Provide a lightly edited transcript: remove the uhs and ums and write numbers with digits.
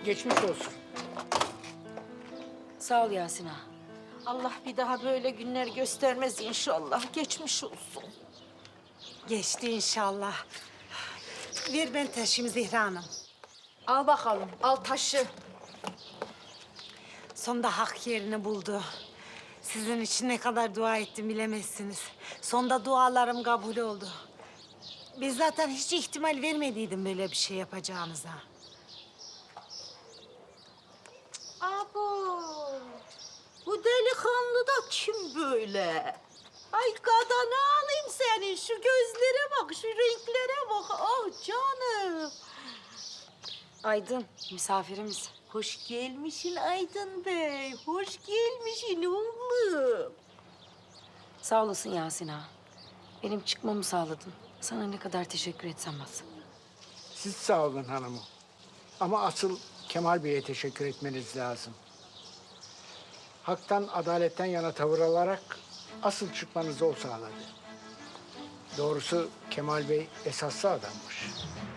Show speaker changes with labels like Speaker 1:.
Speaker 1: Geçmiş olsun.
Speaker 2: Sağ ol Yasin ağa.
Speaker 3: Allah bir daha böyle günler göstermez inşallah. Geçmiş olsun.
Speaker 4: Geçti inşallah. Ver ben taşıyayım Zehra Hanım.
Speaker 3: Al bakalım, al taşı.
Speaker 4: Sonunda hak yerini buldu. Sizin için ne kadar dua ettim bilemezsiniz. Sonunda dualarım kabul oldu. Biz zaten hiç ihtimal vermediydim böyle bir şey yapacağınıza.
Speaker 3: Abo, bu delikanlı da kim böyle? Ay kadını alayım senin. Şu gözlere bak, şu renklere bak. Ah canım.
Speaker 2: Aydın, misafirimiz.
Speaker 3: Hoş gelmişsin Aydın Bey. Hoş gelmişsin oğlum.
Speaker 2: Sağ olasın Yasin ağa. Benim çıkmamı sağladın. Sana ne kadar teşekkür etsem az.
Speaker 1: Siz sağ olun hanımım. Ama asıl Kemal Bey'e teşekkür etmeniz lazım. Haktan, adaletten yana tavır alarak asıl çıkmanızı o sağladı. Doğrusu Kemal Bey esaslı adammış.